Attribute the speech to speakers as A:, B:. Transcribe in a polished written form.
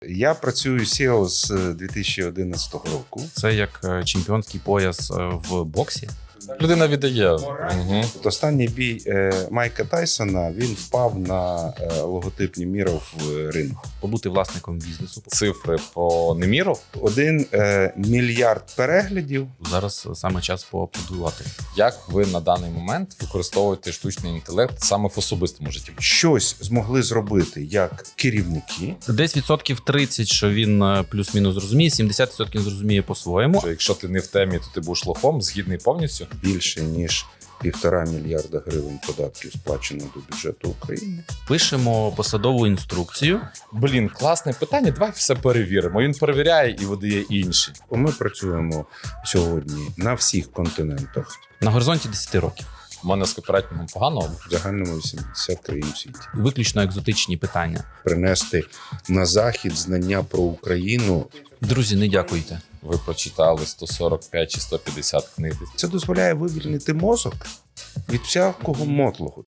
A: Я працюю SEO з 2011 року.
B: Це як чемпіонський пояс в боксі.
C: Людина віддає.
A: Останній бій Майка Тайсона, він впав на логотип Неміров в ринку.
B: Побути власником бізнесу.
C: Цифри по Неміру.
A: 1 мільярд переглядів.
B: Зараз саме час поаплодувати.
C: Як ви на даний момент використовуєте штучний інтелект саме в особистому житті?
A: Щось змогли зробити як керівники.
B: Десь 30%, що він плюс-мінус зрозуміє, 70% зрозуміє по-своєму.
C: Що якщо ти не в темі, то ти будеш лохом, згідний повністю.
A: Більше ніж 1,5 мільярда гривень податків сплачено до бюджету України.
B: Пишемо посадову інструкцію.
C: Блін, класне питання, давай все перевіримо. Він перевіряє і видає інші.
A: Ми працюємо сьогодні на всіх континентах.
B: На горизонті 10 років.
C: У мене з копірайтингом погано.
A: В загальному 80 країн в світі.
B: Виключно екзотичні питання.
A: Принести на захід знання про Україну.
B: Друзі, не дякуйте.
C: Ви прочитали 145 чи 150 книг.
A: Це дозволяє вивільнити мозок від всякого мотлого.